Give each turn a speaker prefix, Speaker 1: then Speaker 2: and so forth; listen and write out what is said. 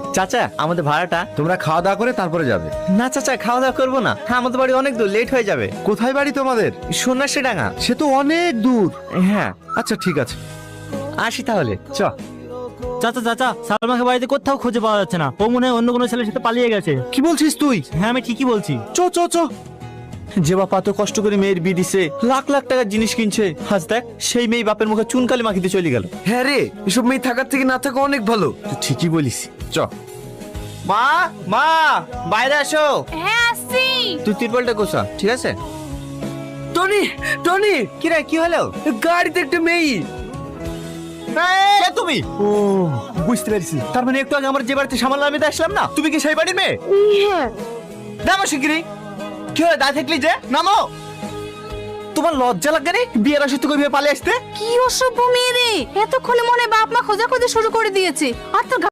Speaker 1: চাচা আমাদের ভাড়াটা।
Speaker 2: তোমরা খাওয়া দাওয়া করে তারপরে যাবে?
Speaker 1: না চাচা, খাওয়া দাওয়া করবো না, হ্যাঁ আমাদের বাড়ি অনেক দূর, লেট হয়ে যাবে।
Speaker 2: কোথায় বাড়ি তোমাদের?
Speaker 1: সন্ন্যাসী ডাঙ্গা।
Speaker 2: সে তো অনেক দূর।
Speaker 1: হ্যাঁ
Speaker 2: আচ্ছা ঠিক আছে,
Speaker 1: আসি তাহলে। চ।
Speaker 3: চাচা চাচা, সালমাকে বাড়িতে কোথাও খুঁজে পাওয়া যাচ্ছে না। ও মনে হয় অন্য কোনো ছেলের সাথে পালিয়ে গেছে।
Speaker 2: কি বলছিস তুই?
Speaker 3: হ্যাঁ আমি ঠিকই বলছি।
Speaker 2: চ চ চ।
Speaker 1: যে বাপ এত কষ্ট করে মেয়ের বিয়ে দিছে, লাখ লাখ টাকার জিনিস কিনছে, আজ দেখ সেই মেয়ে বাপের মুখে চুনকালি মাখিতে চলে গেল।
Speaker 2: হ্যাঁ রে, এসব মেয়ে থাকার থেকে না থাকা অনেক ভালো।
Speaker 1: তুই ঠিকই বলিস। চ। মা মা, বাইরে আসো।
Speaker 4: হ্যাঁ আসছি।
Speaker 1: তুই তিরপলটা গোছা, ঠিক আছে?
Speaker 2: টনি টনি,
Speaker 1: কি রে, কি হলো?
Speaker 2: গাড়িতে একটা মেয়ে।
Speaker 1: কে তুমি? ও বুঝতে পেরেছি, তার মানে একটু আগে আমার যে বাড়িতে সামাল আমি আসলাম না, তুমি কি সেই বাড়ির মেয়ে?
Speaker 4: হ্যাঁ।
Speaker 1: নামো শিগগিরি। কি হলো, দাঁড়িয়ে থাকলি যে? নামো। তোমার লজ্জা লাগে রে বিয়ের আসে তুই পালিয়ে আসতে?
Speaker 4: কি অসভ্য মেয়ে রে, এতক্ষণে মনে হয় বাপ মা খোঁজাখুঁজি শুরু করে দিয়েছে। আর তোর